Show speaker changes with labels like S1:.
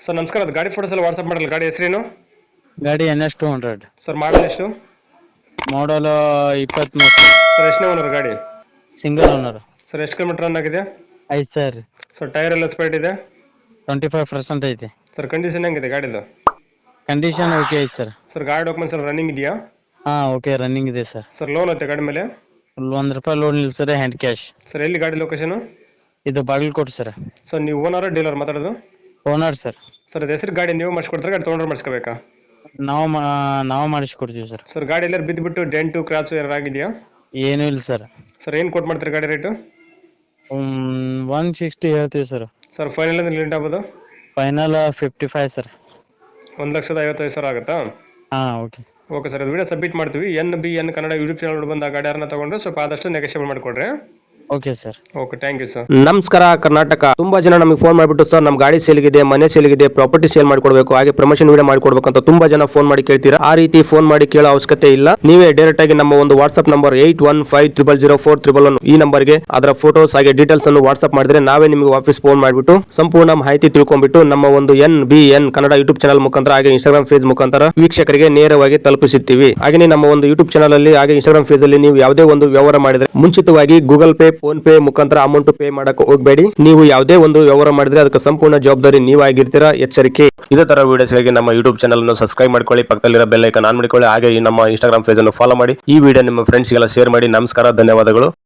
S1: Sir ನಮಸ್ಕಾರ, ಅದು ಗಾಡಿ ಫೋಟೋಸ್ ಎಲ್ಲ ವಾಟ್ಸಪ್ ಮಾಡಲ್ಲ. ಗಾಡಿ ಹೆಸರೇನು?
S2: ಗಾಡಿ NS 200
S1: ಸರ್ ಮಾಡಲ್ ಎಷ್ಟು?
S2: ಮಾಡಲ್ 23
S1: ಸರ್ ಎಷ್ಟನೇ ಓನರ್ ಗಾಡಿ?
S2: Single owner.
S1: ಸರ್ ಎಷ್ಟು ಕಿಲೋಮೀಟರ್ ರನ್ ಆಗಿದೆ?
S2: 5 ಸರ್.
S1: ಸರ್ ಟೈರ್ ಎಲ್ಲ ಸ್ಪೇಟ್ ಇದೆ?
S2: 25% ಐತಿ.
S1: ಸರ್ ಕಂಡೀಷನ್ ಹೆಂಗಿದೆ ಗಾಡಿದು?
S2: ಕಂಡೀಷನ್ ಓಕೆ ಐತಿ ಸರ್.
S1: ಸರ್ ಗಾಡಿ ಡಾಕ್ಯುಮೆಂಟ್ಸ್ ಎಲ್ಲ ರನ್ನಿಂಗ್ ಇದೆಯಾ?
S2: ಓಕೆ ರನ್ನಿಂಗ್ ಇದೆ ಸರ್.
S1: ಸರ್ ಲೋನ್ ಐತೆ ಗಾಡಿ ಮೇಲೆ?
S2: ₹1 ಲೋನ್ ಇಲ್ಲ ಸರ್, ಹ್ಯಾಂಡ್ ಕ್ಯಾಶ್.
S1: ಸರ್ ಎಲ್ಲಿ ಗಾಡಿ ಲೊಕೇಶನ್?
S2: ಇದು ಬಾಗಲಕೋಟೆ ಸರ್.
S1: ಸರ್ ನೀವು ಓನರ್ ಡೀಲರ್ ಮಾತಾಡೋದು?
S2: Owner sir.
S1: ಸರ್ ಅದು ಹೆಸರು ಗಾಡಿ ನೀವು ಮಾಡಿಸ್ಕೊಡ್ತಾರೆ, ಗಾಡಿ ತೊಗೊಂಡ್ರೆ ಮಾಡಿಸ್ಕೋಬೇಕಾ?
S2: ನಾವು ಮಾಡಿಸ್ಕೊಡ್ತೀವಿ ಸರ್.
S1: ಸರ್ ಗಾಡಿ ಎಲ್ಲರೂ ಬಿದ್ದುಬಿಟ್ಟು ಡೆಂಟು ಕ್ರಾಚು ಏನಾರು ಆಗಿದೆಯಾ?
S2: ಏನೂ ಇಲ್ಲ ಸರ್.
S1: ಸರ್ ಏನು ಕೊಟ್ಟು ಮಾಡ್ತಾರೆ ಗಾಡಿ ರೇಟು?
S2: 160 ಹೇಳ್ತೀವಿ ಸರ್.
S1: ಸರ್ ಫೈನಲ್ ಅಂದ್ರೆ ಲೇಟ್ ಆಗ್ಬೋದು?
S2: Final 55 sir.
S1: 1,55,000 ಆಗುತ್ತಾ?
S2: ಓಕೆ.
S1: ಓಕೆ ಸರ್, ಅದು ವಿಡಿಯೋ ಸಬ್ಮಿಟ್ ಮಾಡ್ತೀವಿ. NBN ಕನ್ನಡ ಯೂಟ್ಯೂಬ್ ಚಾನಲ್ ಬಂದ ಗಾಡಿ ಯಾರನ್ನ ತಗೊಂಡ್ರೆ ಸ್ವಲ್ಪ ಆದಷ್ಟು ನೆಗೋಷಿಯೇಟ್ ಮಾಡಿಕೊಡ್ರಿ.
S2: Okay sir.
S1: Okay, thank you sir.
S3: ನಮಸ್ಕಾರ ಕರ್ನಾಟಕ. ತುಂಬಾ ಜನ ನಮಗೆ ಫೋನ್ ಮಾಡಿಬಿಟ್ಟು ಸರ್ ನಮ್ಮ ಗಾಡಿ ಸೇಲ್ಗಿದೆ, ಮನೆ ಸೇಲ್ಗಿದೆ, ಪ್ರಾಪರ್ಟಿ ಸೇಲ್ ಮಾಡಿಕೊಡ್ಬೇಕು, ಹಾಗೆ ಪ್ರಮೋಷನ್ ವಿಡಿಯೋ ಮಾಡಿಕೊಡ್ಬೇಕು ಅಂತ ತುಂಬಾ ಜನ ಫೋನ್ ಮಾಡಿ ಕೇಳ್ತೀರಾ. ಆ ರೀತಿ ಫೋನ್ ಮಾಡಿ ಕೇಳೋ ಅವಶ್ಯಕತೆ ಇಲ್ಲ. ನೀವೇ ಡೈರೆಕ್ಟ್ ಆಗಿ ನಮ್ಮ ಒಂದು ವಾಟ್ಸ್ಆಪ್ ನಂಬರ್ 81500411 ಈ ನಂಬರ್ಗೆ ಅದರ ಫೋಟೋಸ್ ಹಾಗೆ ಡೀಟೇಲ್ಸ್ ಅನ್ನು ವಾಟ್ಸ್ಆಪ್ ಮಾಡಿದ್ರೆ ನಾವೇ ನಿಮಗೆ ವಾಪಸ್ ಫೋನ್ ಮಾಡಿಬಿಟ್ಟು ಸಂಪೂರ್ಣ ಮಾಹಿತಿ ತಿಳ್ಕೊಂಡ್ಬಿಟ್ಟು ನಮ್ಮ ಒಂದು NBN ಕನ್ನಡ ಯೂಟ್ಯೂಬ್ ಚಾನಲ್ ಮುಖಾಂತರ ಹಾಗೆ ಇನ್ಸ್ಟಾಗ್ರಾಮ್ ಪೇಜ್ ಮುಖಾಂತರ ವೀಕ್ಷಕರಿಗೆ ನೇರವಾಗಿ ತಲುಪಿಸುತ್ತೀವಿ. ಹಾಗೆ ನಮ್ಮ ಒಂದು ಯೂಟ್ಯೂಬ್ ಚಾನಲ್ ಅಲ್ಲಿ ಹಾಗೆ ಇನ್ಸ್ಟಾಗ್ರಾಮ್ ಪೇಜ್ ಅಲ್ಲಿ ನೀವು ಯಾವುದೇ ಒಂದು ವ್ಯವಹಾರ ಮಾಡಿದ್ರೆ ಮುಂಚಿತವಾಗಿ ಗೂಗಲ್ ಪೇ, ಫೋನ್ ಪೇ ಮುಖಾಂತರ ಅಮೌಂಟ್ ಪೇ ಮಾಡಕ್ಕೆ ಹೋಗಬೇಡಿ. ನೀವು ಯಾವುದೇ ಒಂದು ವ್ಯವಹಾರ ಮಾಡಿದ್ರೆ ಅದಕ್ಕೆ ಸಂಪೂರ್ಣ ಜವಾಬ್ದಾರಿ ನೀವಾಗಿರ್ತೀರಾ, ಎಚ್ಚರಿಕೆ. ಇದೇ ತರ ವಿಡಿಯೋಸ್ಗಾಗಿ ನಮ್ಮ ಯೂಟ್ಯೂಬ್ ಚಾನಲ್ ಅನ್ನು ಸಬ್ಸ್ಕ್ರೈಬ್ ಮಾಡ್ಕೊಳ್ಳಿ, ಪಕ್ಕದಲ್ಲಿರೋ ಬೆಲ್ ಐಕಾನ್ ಆನ್ ಮಾಡಿಕೊಳ್ಳಿ, ಹಾಗೆ ನಮ್ಮ ಇನ್ಸ್ಟಾಗ್ರಾಮ್ ಪೇಜ್ ಅನ್ನು ಫಾಲೋ ಮಾಡಿ. ಈ ವಿಡಿಯೋ ನಿಮ್ಮ ಫ್ರೆಂಡ್ಸ್ಗೆಲ್ಲ ಶೇರ್ ಮಾಡಿ. ನಮಸ್ಕಾರ, ಧನ್ಯವಾದಗಳು.